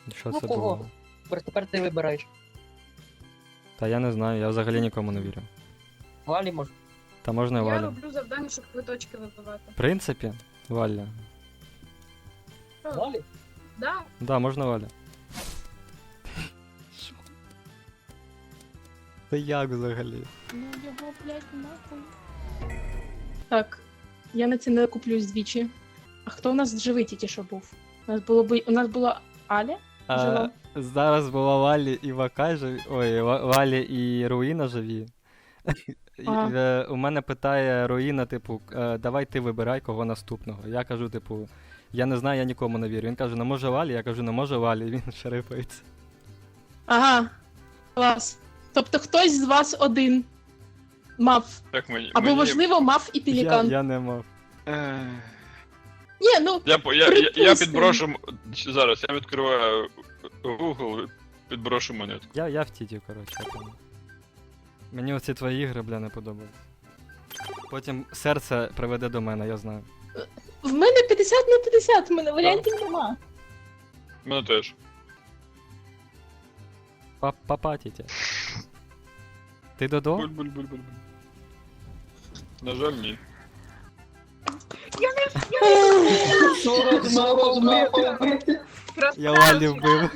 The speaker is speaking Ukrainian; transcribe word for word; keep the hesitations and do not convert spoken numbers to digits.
Що Ну, це кого? було? Тепер- Тепер ти вибираєш. Та я не знаю, я взагалі нікому не вірю. Валі може. Та можна і Я Валя. роблю завдання, щоб квиточки вибивати. В принципі, Валя. Що? Валі? Да? Да, можна Валя. Що? Та як взагалі? Ну його, блядь, нахуй. Так, я на це не куплюсь двічі. А хто у нас живий тільки що був? У нас було би. У нас була Аля? А, Жива. зараз була Валі і Вакай живі. Ой, Ва- Валі і Руїна живі. І, Ага. е, У мене питає Руїна, типу, е, давай ти вибирай кого наступного. Я кажу, типу, я не знаю, я нікому не вірю. Він каже, ну може Валі, я кажу, не може Валі, він шерифається. Ага. Клас. Тобто хтось з вас один мав. Так мені. Або, мені... можливо, мав і Я, пелікан. я не мав. Ех. Ні, ну. Я, по- я, я, я Припустимо. підброшу. м- Зараз я відкриваю Google, підброшу монетку. Я, я в тіті, коротше. я понял. Мені оці твої ігри, бля, не подобаються. Потім серце приведе до мене, я знаю. В мене п'ятдесят на п'ятдесят, в мене варіантів нема. Мене теж. Па- Папа, тітя. Ти Додо? Буль-буль-буль-буль. На жаль, ні. Сорок, сорок, Я Валі вбив.